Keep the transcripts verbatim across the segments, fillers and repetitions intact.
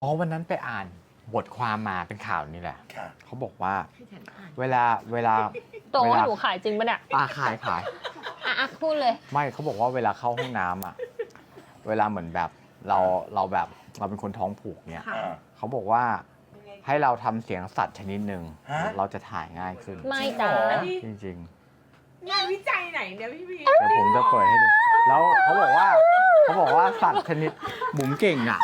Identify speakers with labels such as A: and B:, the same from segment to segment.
A: อ๋อวันนั้นไปอ่านบทความมาเป็นข่าวนี่แหละ
B: ค่ะ
A: เขาบอกว่าเวลาเวลา
C: ตรง
A: เว
C: ว่า
A: ลา
C: หนูขายจริงปะเนี่ย
A: อ่าขายขาย
C: อ่ะอ่ะพูดเลย
A: ไม่เขาบอกว่าเวลาเข้าห้องน้ำอ่ะเวลาเหมือนแบบเราเราแบบเราเป็นคนท้องผูกเนี่ย
B: อ่า
A: เขาบอกว่าให้เราทำเสียงสัตว์ชนิดหนึ่ง
B: ฮะ
A: เราจะถ่ายง่ายขึ้น
C: ไม่จ้า
A: จริง
D: งานวิจัยไหนเนี่ยพี่พี
A: ๆเดี๋ยวผมจะเปิดให้ดูแล้วเขาบอกว่าเขาบอกว่าสัตว์ชนิดบุ๋มเก่งอ่ะ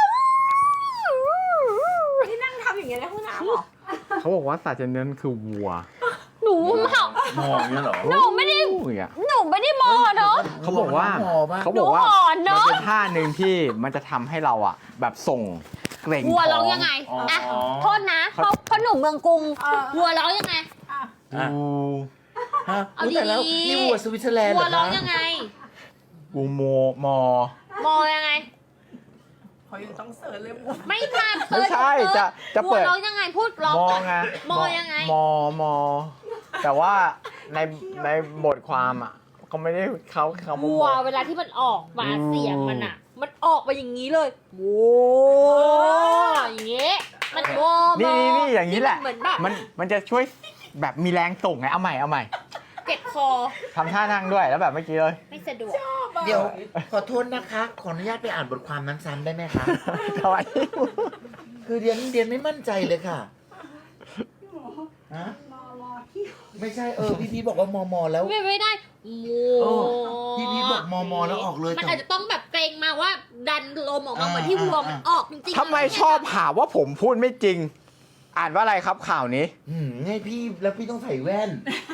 D: ที่นั่งทำอย่างเงี้ยในห้องน้ำเหรอ
A: เขาบอกว่าสัตว์ชนิดนั้นคือวัว
C: หนูเห่าม
B: องเนี่ยเหรอ
C: หนูไม่ได้
A: โอ้ยอะ
C: หนูไม่ได้มอเนาะ
A: เขาบอกว่า
B: หมอปะ
A: เขาบอกว่า
C: หนูอ่อนเน
A: มัน
C: อะ
A: เป็นท่าหนึ่งที่มันจะทำให้เราอ่ะ แบบส่งเกร็ง
C: วัว
A: ท้
C: ร้
A: อ
C: อง
A: ง
C: ยังไง
B: อ๋ออ่
C: อ่ะโทษนะเพราะเพราะหนูเมืองกรุง
D: เออ
C: วัวร้องยังไง
D: อ่ะ
B: อ่ะ
A: อู
B: ฮะ
C: เอา
B: อุ๊ยแต่แล้ว
C: ดีๆ
B: นี่วัวสวิตเซอร์แลนด์เห
C: วั
B: ร
C: ว
B: อ
C: ร้อ
B: คะ
C: งยังไง
A: อูโมมอ
C: มอยังไง
D: เขายังต้องเสิร์ชเลยหมด
C: ไม่ทัน
A: ไม่ใช่จะจะ
C: วัว
A: เปิด
C: ร้องยังไงพูดร้อง
A: มอไง
C: มอยังไง
A: มอมอ แต่ว่าในในบทความอ่ะเขาไม่ได้เขาเขา
C: วัวเวลาที่มันออกมาเสียงมันอ่ะ มันออกมาอย่างนี้เลยโว้อย่างเงี้ยมันโว้
A: นี่นี่นี่อย่างนี้แหละ
C: เหมือนแบบ
A: มันมันจะช่วยแบบมีแรงส่งไงเอาใหม่เอาใหม่
C: เก็บคอ
A: ทำท่านั่งด้วยแล้วแบบเมื่อกี้เลย
C: ไม่สะดวก
B: เดี๋ยวขอโทษนะคะ ขออนุญาตไปอ่านบทความนั้นซ้ำได้ไหมคะ
A: ทำไม
B: คือเรียนเรียนไม่มั่นใจเลยค่ะฮะไม่ใช่เออพี่พีบอกว่ามอมอแล้ว
C: ไม่ไม่ได้โ
B: เอ
C: ว้
B: อพี่พีบอกมอมอแล้วออกเลย
C: มัน
B: แต่
C: อาจจะต้องแบบเกรงมาว่าดันลมออกมา
B: อ่า
C: เหมือนที่วัวมัน
B: อ่า
C: ออกจริงๆ
A: ทำไมชอบหาว่าผมพูดไม่จริง อ่านว่าอะไรครับข่าวนี้
B: อืมไงพี่แล้วพี่ต้องใส่แว่น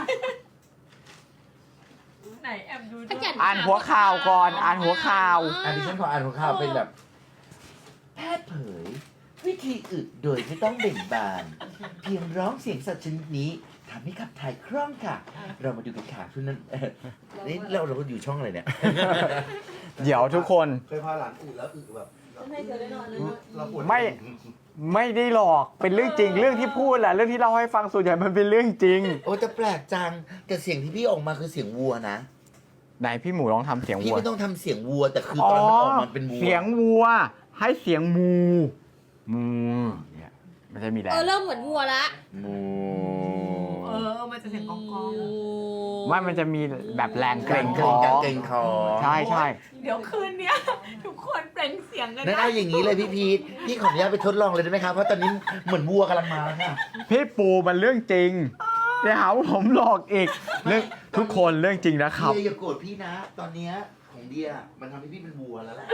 D: ไหนแอบดู
C: ข
D: ด้วย
C: ยั
A: อ่านหัวข่าวก่อนอ่านหัวข่าว
B: อันนี้ฉันขออ่านหัวข่าวเป็นแบบ แพทย์เผย วิธีอึโดยไม่ต้องเบ่งบาน เพียงร้องเสียงสัตว์ชนิดนี้ทำให้ขับถ่ายคล่องค่ะ เรามาดูกันค่ะทุกนั้นเออนี่เราเราก็อยู่ช่องอะไรเนี่ย
A: เดี๋ยวทุกคน
E: เคยพาหลานอึแล้วอึแบบเราปวด
A: ไม่ ไม่ได้หลอกเป็นเรื่องจริงเรื่องที่พูดแหละเรื่องที่เล่าให้ฟังส่วนใหญ่มันเป็นเรื่องจริง
B: โอ้แต่แปลกจัง แต่เสียงที่พี่ออกมาคือเสียงวัวนะ
A: ไหนพี่หมูลองทำเสียง
B: พี่
A: วัว
B: ไม่ต้องทำเสียงวัว แต่คือตอนมันออกมาเป็นวัว
A: เสียงวัว ให้เสียงมูมูเนี่ยมันจะมีแรง
C: เออเริ่มเหมือนวัวละ
B: มู
D: เออ มันจะเสียงกองกอง
A: ไม่มันจะมีแบบแรงเกรงค
B: เกร
A: อง
B: การเกรงคอ
A: ใช่ใช่
D: เดี๋ยวคืนเนี้ย ทุกคนเปล่งเสียงกัน
B: นั่นเอาอย่างนี้เลยพี่พีทพี่ขออนุญาตไปทดลองเลยได้ไหมครับ เพราะตอนนี้เหมือนวัวกำลังมาแล้วค่ะ
A: พี่ปูมันเรื่องจริงเดี๋ยวหาว่าผมหลอกอีกเรื่องทุกคนเรื่องจริงนะครับ
B: เดียอย่าโกรธพี่นะ ตอนเนี้ยของเดียมันทำให้พี่เป็นวัวแล้วแหละ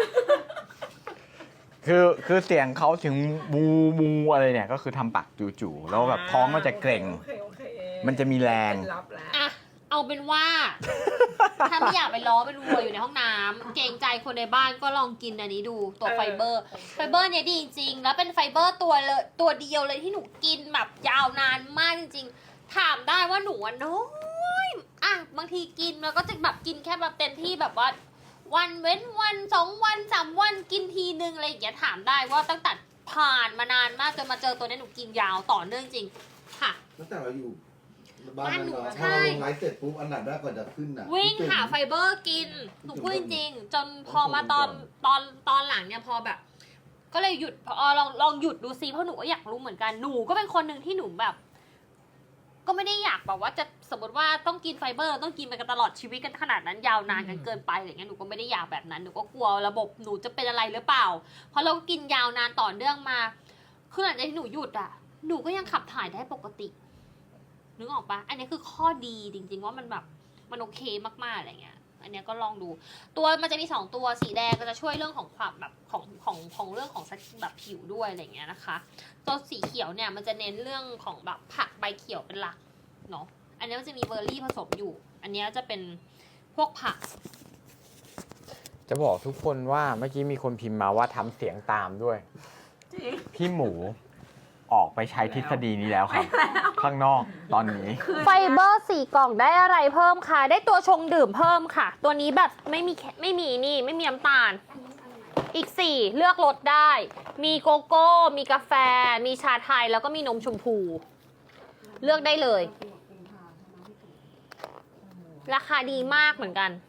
A: คือคือเสียงเขาถึงมูมูอะไรเนี่ยก็คือทำปากจู่ๆแล้วแบบท้องก็จะเกร็ง
D: โอเคโอเค
A: มันจะมีแรง
D: เป็นลับแล้ว
C: อ่ะเอาเป็นว่า ถ้าไม่อยากไปล้อเป็นวัวอยู่ในห้องน้ำเกรงใจคนในบ้านก็ลองกินอันนี้ดูตัวไฟเบอร์ ไฟเบอร์เนี่ยดีจริงๆแล้วเป็นไฟเบอร์ตัวเลยตัวเดียวเลยที่หนูกินแบบยาวนานมากจริงๆ ถามได้ว่าหนูอะน้อยอ่ะบางทีกินแล้วก็จะแบบกินแค่แบบเต็มที่แบบว่า วันเว้นวันสองวันสามวันกินทีนึงอะไรอย่างเงี้ยถามได้ว่าตั้งแต่ผ่านมานานมากจนมาเจอตัวนี้หนูกินยาวต่อเนื่องจริงค่ะ
E: ตั้งแต่เราอยู่บ้าน
C: บ้าน
E: นั้น
C: หนู
E: เนาะ
C: ใช่
E: พอเราลงไลฟ์เสร็จปุ๊บอันดับแรกก่อนจะขึ้นอ่ะ
C: วิ่ง
E: พี่จุ๋ม
C: หาไฟเบอร์กิน หนูพูดจริงๆจนพอมาตอนตอนตอนหลังเนี่ยพอแบบ ก็เลยหยุดพอลองลองหยุดดูซิเพราะหนูก็อยากรู้เหมือนกันหนูก็เป็นคนหนึ่งที่หนูแบบ ก็ไม่ได้อยากแบบว่าจะสมมติว่าต้องกินไฟเบอร์ต้องกินไปกันตลอดชีวิตกันขนาดนั้นยาวนานกันเกินไปอะไรเงี้ยหนูก็ไม่ได้อยากแบบนั้นหนูก็กลัวระบบหนูจะเป็นอะไรหรือเปล่า เพราะเราก็กินยาวนานต่อเนื่องมาคือหลังจากที่หนูหยุดอ่ะ หนูก็ยังขับถ่ายได้ปกตินึกออกปะอันนี้คือข้อดีจริงๆว่ามันแบบมันโอเคมากๆอะไรเงี้ย อันเนี้ยก็ลองดู ตัวมันจะมีสองตัวสีแดงก็จะช่วยเรื่องของความแบบของของของเรื่องของแบบผิวด้วยอะไรเงี้ยนะคะ ตัวสีเขียวเนี่ยมันจะเน้นเรื่องของแบบผักใบเขียวเป็นหลักเนาะ อันนี้มันจะมีเบอร์รี่ผสมอยู่ อันนี้จะเป็นพวกผัก
A: จะบอกทุกคนว่าเมื่อกี้มีคนพิมพ์มาว่าทำเสียงตามด้วย
D: จริง
A: พี่หมูออกไปใช้ทฤษฎีนี้แล้วครับ ข้างนอกตอนนี้
C: ไฟเบอร์สี่กล่องได้อะไรเพิ่มคะได้ตัวชงดื่มเพิ่มค่ะ ตัวนี้แบบไม่มีไม่มีนี่ไม่มีน้ำตาล อีกสี่เลือกรสได้ มีโกโก้ มีกาแฟ มีชาไทยแล้วก็มีนมชมพู เลือกได้เลย ราคาดีมากเหมือนกัน